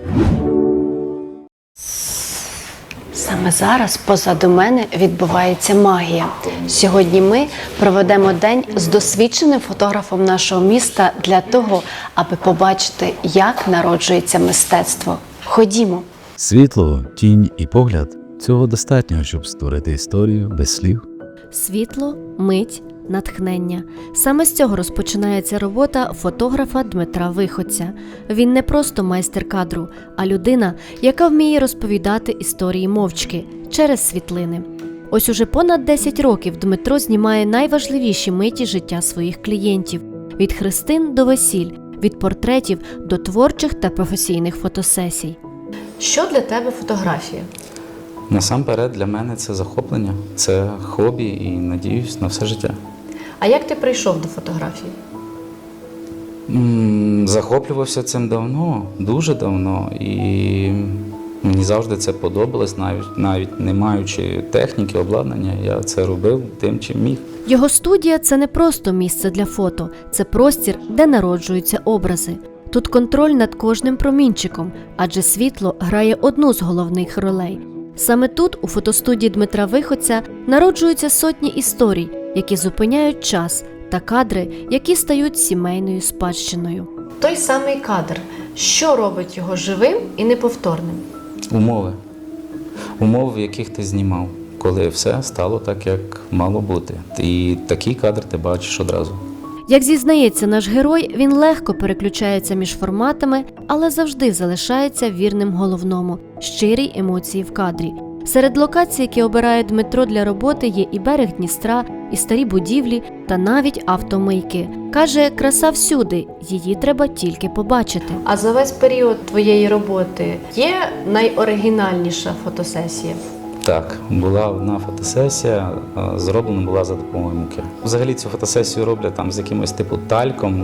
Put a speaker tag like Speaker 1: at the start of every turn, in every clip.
Speaker 1: Саме зараз позаду мене відбувається магія. Сьогодні ми проведемо день з досвідченим фотографом нашого міста для того, аби побачити, як народжується мистецтво. Ходімо.
Speaker 2: Світло, тінь і погляд – цього достатньо, щоб створити історію без слів.
Speaker 3: Світло, мить, натхнення. Саме з цього розпочинається робота фотографа Дмитра Виходця. Він не просто майстер кадру, а людина, яка вміє розповідати історії мовчки, через світлини. Ось уже понад 10 років Дмитро знімає найважливіші миті життя своїх клієнтів – від хрестин до весіль, від портретів до творчих та професійних фотосесій.
Speaker 1: Що для тебе фотографія?
Speaker 4: Насамперед для мене це захоплення, це хобі і, надіюсь, на все життя.
Speaker 1: А як ти прийшов до фотографії?
Speaker 4: Захоплювався цим давно, дуже давно, і мені завжди це подобалось, навіть не маючи техніки, обладнання, я це робив тим, чим міг.
Speaker 3: Його студія – це не просто місце для фото, це простір, де народжуються образи. Тут контроль над кожним промінчиком, адже світло грає одну з головних ролей. Саме тут, у фотостудії Дмитра Виходця, народжуються сотні історій, які зупиняють час, та кадри, які стають сімейною спадщиною.
Speaker 1: Той самий кадр. Що робить його живим і неповторним?
Speaker 4: Умови, в яких ти знімав, коли все стало так, як мало бути. І такий кадр ти бачиш одразу.
Speaker 3: Як зізнається наш герой, він легко переключається між форматами, але завжди залишається вірним головному – щирій емоції в кадрі. Серед локацій, які обирає Дмитро для роботи, є і берег Дністра, і старі будівлі, та навіть автомийки. Каже, краса всюди, її треба тільки побачити.
Speaker 1: А за весь період твоєї роботи є найоригінальніша фотосесія?
Speaker 4: Так, була одна фотосесія, зроблена була за допомогою муки. Взагалі цю фотосесію роблять там з якимось типу тальком.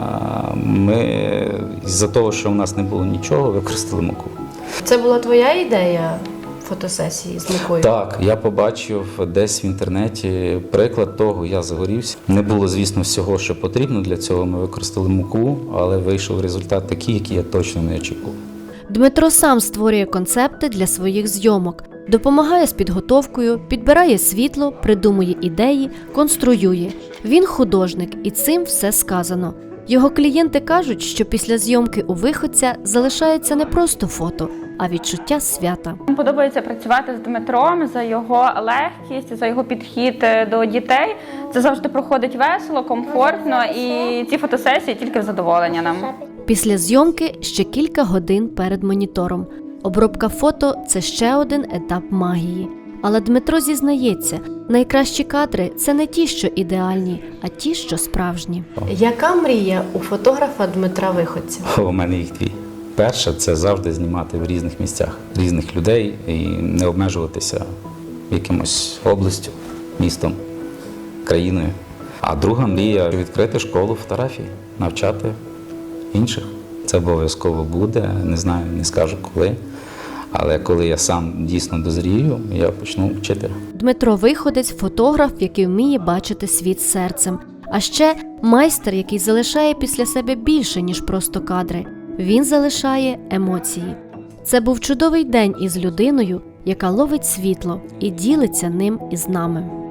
Speaker 4: Ми з-за того, що в нас не було нічого, використали муку.
Speaker 1: Це була твоя ідея фотосесії з мукою?
Speaker 4: Так, я побачив десь в інтернеті приклад того, я загорівся. Не було, звісно, всього, що потрібно для цього, ми використали муку, але вийшов результат такий, який я точно не очікував.
Speaker 3: Дмитро сам створює концепти для своїх зйомок, допомагає з підготовкою, підбирає світло, придумує ідеї, конструює. Він художник, і цим все сказано. Його клієнти кажуть, що після зйомки у Виходця залишається не просто фото, а відчуття свята.
Speaker 5: Мені подобається працювати з Дмитром за його легкість, за його підхід до дітей. Це завжди проходить весело, комфортно, і ці фотосесії тільки в задоволення нам.
Speaker 3: Після зйомки ще кілька годин перед монітором. Обробка фото – це ще один етап магії. Але Дмитро зізнається, найкращі кадри – це не ті, що ідеальні, а ті, що справжні.
Speaker 1: Яка мрія у фотографа Дмитра Виходця?
Speaker 4: У мене їх дві. Перша – це завжди знімати в різних місцях, різних людей і не обмежуватися якимось областю, містом, країною. А друга мрія – відкрити школу фотографії, навчати інших. Це обов'язково буде, не знаю, не скажу коли. Але коли я сам дійсно дозрію, я почну вчити.
Speaker 3: Дмитро Виходець – фотограф, який вміє бачити світ серцем. А ще майстер, який залишає після себе більше, ніж просто кадри. Він залишає емоції. Це був чудовий день із людиною, яка ловить світло і ділиться ним із нами.